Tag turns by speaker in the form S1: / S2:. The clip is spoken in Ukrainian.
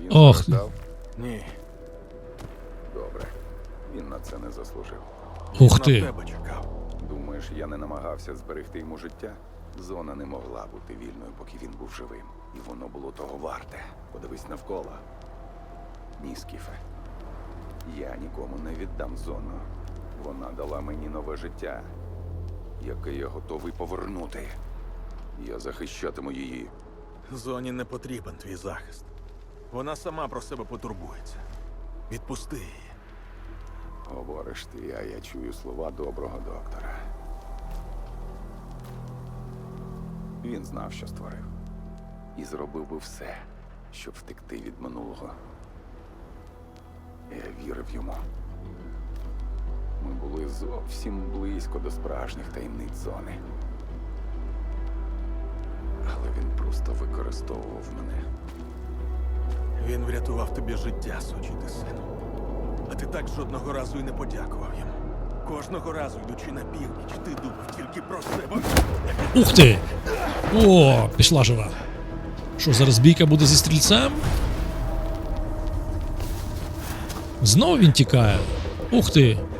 S1: Він
S2: Ох.
S1: страждав?
S3: Ні,
S1: Добре. Він на це не заслужив.
S2: Ух
S3: на
S2: ти.
S3: тебе чекав.
S1: Думаєш, я не намагався зберегти йому життя? Зона не могла бути вільною, поки він був живим. І воно було того варте. Подивись навколо. Ні, Скіфе. Я нікому не віддам зону. Вона дала мені нове життя, яке я готовий повернути. Я захищатиму її.
S3: Зоні не потрібен твій захист. Вона сама про себе потурбується. Відпусти її.
S1: Говориш ти, а я чую слова доброго доктора. Він знав, що створив. І зробив би все, щоб втекти від минулого. Я вірив йому. Ми були зовсім близько до справжніх таємниць зони. Але він просто використовував мене.
S3: Він врятував тобі життя, сучий ти сину. А ти так жодного разу і не подякував йому. Кожного разу, йдучи на північ, ти думав тільки про себе.
S2: Ух ти! О, пішла жива. Що, зараз бійка буде зі стрільцем? Знову він тікає. Ух ти!